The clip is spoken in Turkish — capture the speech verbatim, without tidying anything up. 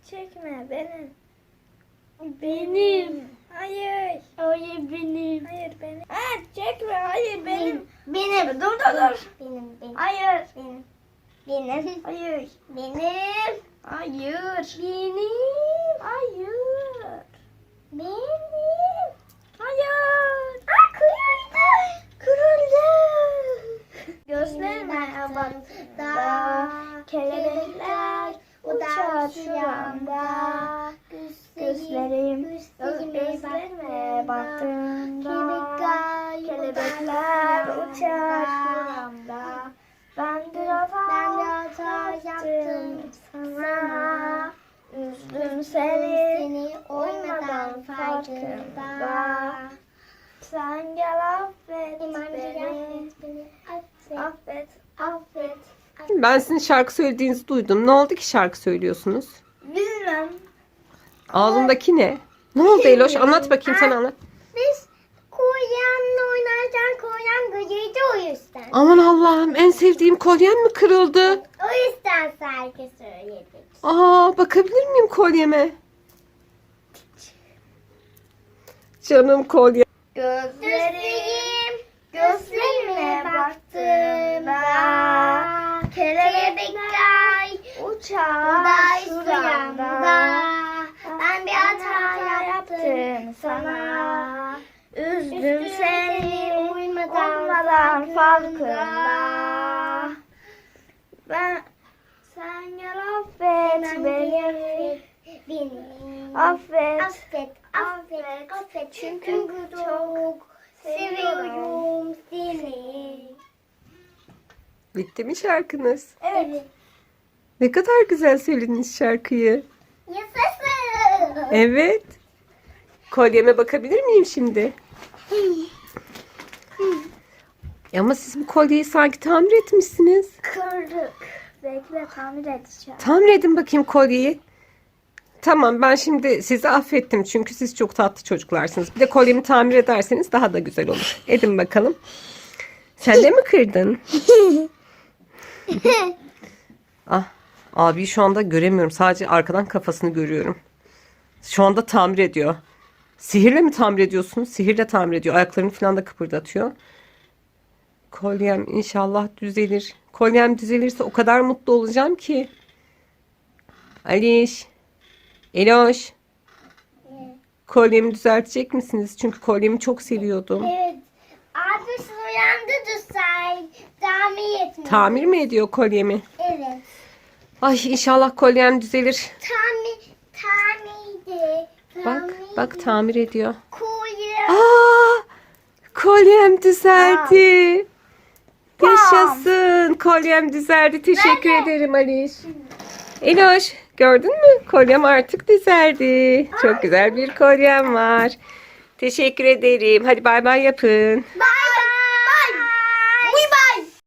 çekme benim. Benim. Hayır. Hayır benim. Hayır benim. Ha çekme hayır benim. Benim. Dur dur dur. Benim. Benim. Hayır. Benim. Benim. Hayır. Benim. Hayır. Benim. Hayır. Benim. Hayır. Aa kırıldı. Kırıldı. Gözlerime Gözlerime bak da kelebekler uçar şu anda. Gözlerim gözlerime baktığında kelebekler uçar şu anda. Ben biraz hata yaptım sana. Üzdüm seni, Seni uymadan farkında. Sen gel affet beni. Affet, affet. Ben sizin şarkı söylediğinizi duydum. Ne oldu ki şarkı söylüyorsunuz? Bilmem. Ağzındaki ne? Ne oldu Eloş? Anlat bakayım, sen anlat. Biz kolyenle oynarken kolyem gıcıydı o yüzden. Aman Allah'ım, en sevdiğim kolyem mi kırıldı? O yüzden şarkı söyledik. Aa, bakabilir miyim kolyeme? Canım kolye. Gözlerim gözlerime baktığında kelebekler uçar şu anda. Ben bir hata yaptım sana. Üzdüm seni uymadan farkında. Ben sen gel affet beni. Beni. Affet. Affet, affet, affet. Çünkü çok seviyorum seni. Bitti mi şarkınız? Evet. Ne kadar güzel söylediniz şarkıyı. Yaşasın. Evet. Kolyeme bakabilir miyim şimdi? Ama siz bu kolyeyi sanki tamir etmişsiniz. Kırdık. Bekle tamir edeceğim. Tamir edin bakayım kolyeyi. Tamam, ben şimdi sizi affettim çünkü siz çok tatlı çocuklarsınız. Bir de kolyemi tamir ederseniz daha da güzel olur. Edin bakalım. Sen de mi kırdın? Ah, abi şu anda göremiyorum. Sadece arkadan kafasını görüyorum. Şu anda tamir ediyor. Sihirle mi tamir ediyorsunuz? Sihirle tamir ediyor. Ayaklarını falan da kıpırdatıyor. Kolyem inşallah düzelir. Kolyem düzelirse o kadar mutlu olacağım ki. Aliş. Eloş. Kolyemi düzeltecek misiniz? Çünkü kolyemi çok seviyordum. Evet. Abi uyandı da say. Tamir etmiyor. Tamir mi ediyor kolyemi? Evet. Ay inşallah kolyem düzelir. Tamir, tamirdi. Bak bak tamir ediyor. Kolye. Aa, kolyem düzeldi. Yaşasın. Kolyem düzeldi. Teşekkür ederim Aliş. Eloş, gördün mü? Kolyem artık düzeldi. Çok güzel bir kolyem var. Teşekkür ederim. Hadi bay bay yapın. Bye.